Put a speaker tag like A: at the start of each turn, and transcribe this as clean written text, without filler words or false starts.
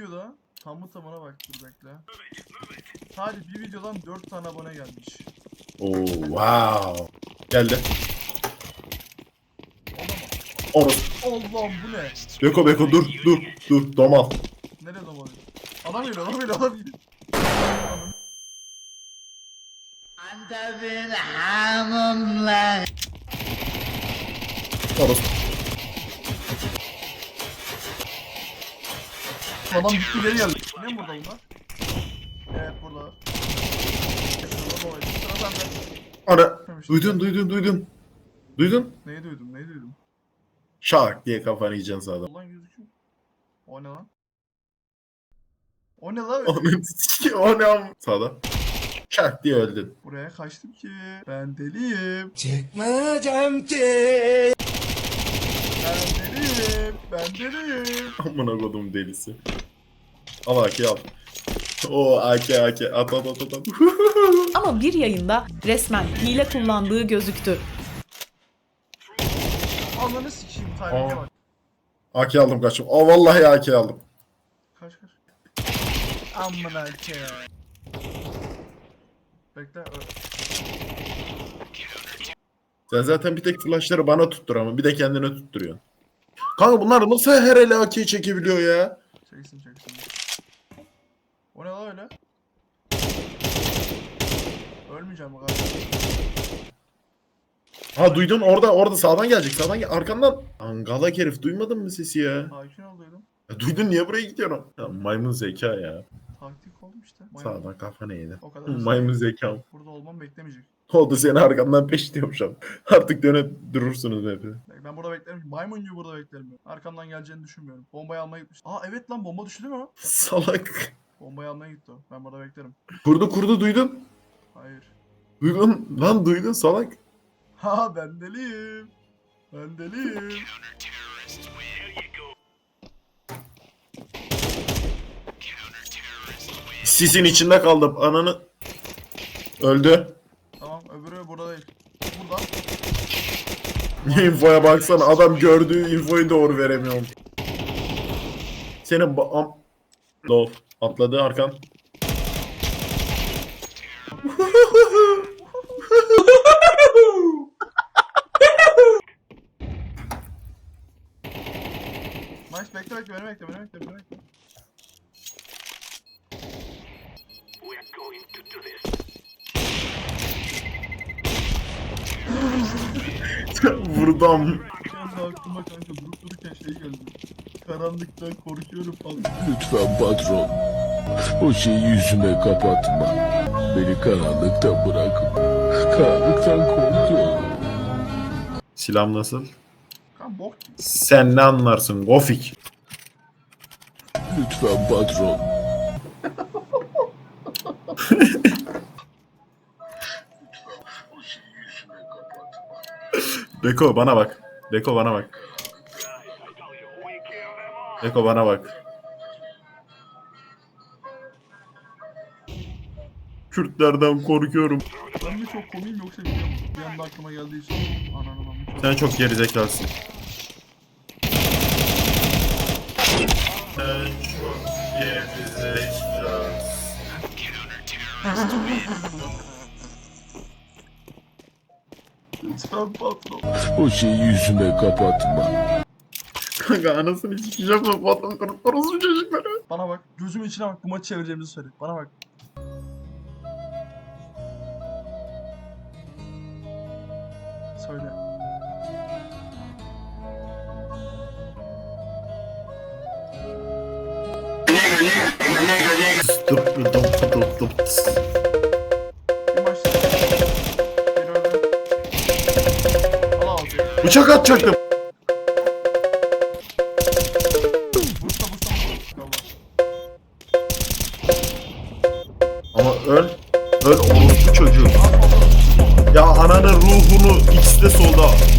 A: videoda tamı tamına bak, dur bekle. Sadece bir videodan 4 tane abone gelmiş.
B: Oo wow. Geldi. Orası.
A: Allah'ım bu ne?
B: Beko dur domal.
A: Nereye domalıyor? Adam geliyor, adam geliyor, adam geliyor.
B: Orası.
A: Adam gitti geri geldi. Ne mi burada bunlar? Evet burada. Sıra sende.
B: Ara. Duydun. Duydun?
A: Neyi duydum, neyi duydum?
B: Şak diye kafanı yiyeceksin sağdan.
A: Ulan gözüküyor. O ne lan? O ne lan?
B: Onun o ne am? Sağda. Şak diye öldün.
A: Buraya kaçtım ki. Ben deliyim.
C: Çıkmayacağım ki.
A: Ben deliyim.
B: Amına kodum delisi. Al AK al. O AK at.
D: Ama bir yayında resmen hile kullandığı gözüktü.
A: Ananı sikeyim, timing'e bak.
B: AK aldım kaçım. Aa vallahi AK aldım.
A: Kaç. Amına ke. Bekle.
B: Sen zaten bir tek flashları bana tuttur ama bir de kendine tutturuyorsun. Kanka bunlar nasıl her ele AK'yi çekebiliyor ya?
A: Çeksin. O ne lan öyle? Ölmeyeceğim bu kadar.
B: Ha duydun orada sağdan gelecek sağdan gel arkandan. Angalak herif duymadın mı sesi ya?
A: Sakin ol dedim.
B: Ya duydun niye buraya gidiyorsun? Ya, maymun zeka ya.
A: Taktik oldu işte.
B: Sağdan kafana yedi.
A: O kadar.
B: Maymun zeka.
A: Burada olmam beklemeyecek.
B: Oldu seni arkamdan peşliyorum şu an. Artık dönüp durursunuz hep.
A: Ben burada beklerim. Maymun gibi burada beklerim. Arkamdan geleceğini düşünmüyorum. Bombayı almaya gitmiş. Aa evet lan, bomba düştü değil mi o?
B: Salak.
A: Bombayı almaya gitti o. Ben burada beklerim.
B: Kurdu duydun.
A: Hayır.
B: Duydun salak.
A: Ha ben deliyim.
B: Sisin içinde kaldım ananı. Öldü.
A: Tamam, öbürü burada değil. Burada.
B: Infoya baksana adam gördüğü infoyu doğru veremiyorum. Senin Love atladı arkan.
A: Nice, bekle beni bekle.
B: Vurdum.
A: Şu anda aklıma kanka durup dururken şey geldi. Karanlıktan korkuyorum falan.
C: Lütfen patron. O şeyi yüzüme kapatma. Beni karanlıkta bırakma. Karanlıktan korkuyorum.
B: Silahım nasıl?
A: Kan bok gibi.
B: Sen ne anlarsın Gofik?
C: Lütfen patron.
B: Beko bana bak. Beko bana bak. Kürtlerden korkuyorum.
A: Ben mi çok komiyim yoksa bilmiyorum. Bir anda aklıma geldiği için. Ananı çok.
B: Sen çok gerizekalısın. Sen çok gerizekalısın.
A: Lütfen patron.
C: O şeyi yüzüme kapatma.
B: Kanka anasını sikeceğim lan bu adam orası çocukları.
A: Bana bak. Gözümün içine bak. Bu maçı çevireceğimizi söyle. Bana bak. Söyle. Bir maç. Bir öldü. Al aldı.
B: Bıçak atacaktım.
A: Bursa.
B: Ama öl orospu çocuğu. Ya ananın ruhunu ikisi de solda.